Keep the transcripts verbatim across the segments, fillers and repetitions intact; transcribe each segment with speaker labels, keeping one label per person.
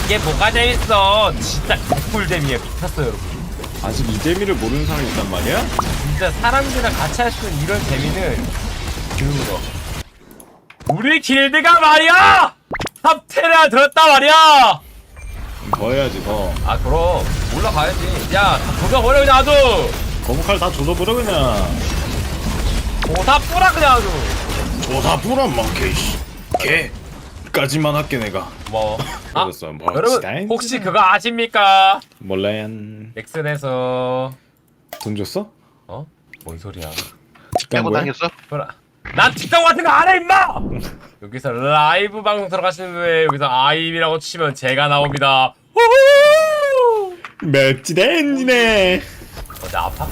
Speaker 1: 이게 뭐가 재밌어. 진짜 개꿀잼이에요. 미쳤어요 여러분.
Speaker 2: 아직 이 재미를 모르는 사람이 있단 말이야?
Speaker 1: 진짜 사람들이랑 같이 할 수 있는 이런 재미는 드물어. 우리 길드가 말이야! 탑텐에 들었다 말이야!
Speaker 2: 더 해야지 더.
Speaker 1: 아 그럼 올라가야지. 야 다 조져버려 그냥 아주.
Speaker 2: 거북칼 다 조져버려 그냥.
Speaker 1: 오다 뿌라 그냥 아주.
Speaker 2: 조사 뿌란 망개 씨. 개까지만 할게 내가.
Speaker 1: 뭐 아,
Speaker 2: 그랬어, 뭐,
Speaker 1: 여러분
Speaker 2: 스타일?
Speaker 1: 혹시 그거 아십니까?
Speaker 2: 몰라요.
Speaker 1: 넥슨에서
Speaker 2: 돈 줬어?
Speaker 1: 어? 뭔 소리야?
Speaker 2: 직감
Speaker 3: 빼고
Speaker 2: 뭐야?
Speaker 3: 당했어?
Speaker 1: 그래. 난 틱tok 같은 거 안 해 임마! 여기서 라이브 방송 들어가시는 분에 여기서 아임이라고 치면 제가 나옵니다. 후후!
Speaker 2: 맵지다 엔지네.
Speaker 1: 어, 나 아파?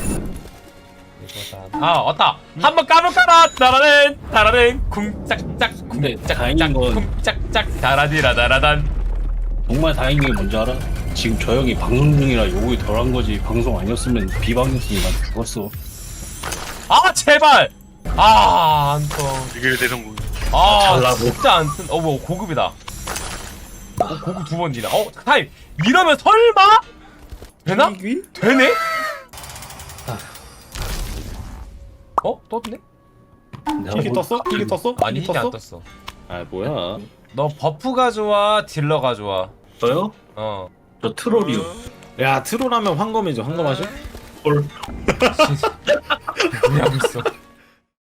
Speaker 1: 아 왔다. 한번 까볼까나 따라는 따라는 쿵짝짝
Speaker 4: 근데
Speaker 1: 쿵짝짝
Speaker 4: 다행인 건-
Speaker 1: 쿵짝짝 다라디라다라단.
Speaker 4: 정말 다행인 게 뭔지 알아? 지금 저 형이 방송 중이라 욕이 덜한 거지. 방송 아니었으면 비방이었으면 난 죽었어.
Speaker 1: 아 제발. 아 안통.
Speaker 3: 이게 대성공.
Speaker 1: 아
Speaker 4: 잘라고.
Speaker 1: 진짜 안 뜬. 어뭐 고급이다. 어, 고급 두 번이나. 어 타임. 이러면 설마 되나? 되네? 어 떴네?
Speaker 2: 힐이 떴어? 힐이 떴어?
Speaker 1: 아니
Speaker 2: 힐이
Speaker 1: 힘이 안 떴어.
Speaker 2: 아 뭐야?
Speaker 1: 너 버프가 좋아 딜러가 좋아?
Speaker 4: 저요?
Speaker 1: 어.
Speaker 4: 저 트롤이요.
Speaker 2: 야 트롤하면 황검이죠. 황검하셔?
Speaker 4: 헐.
Speaker 1: 뭐냐고 있어.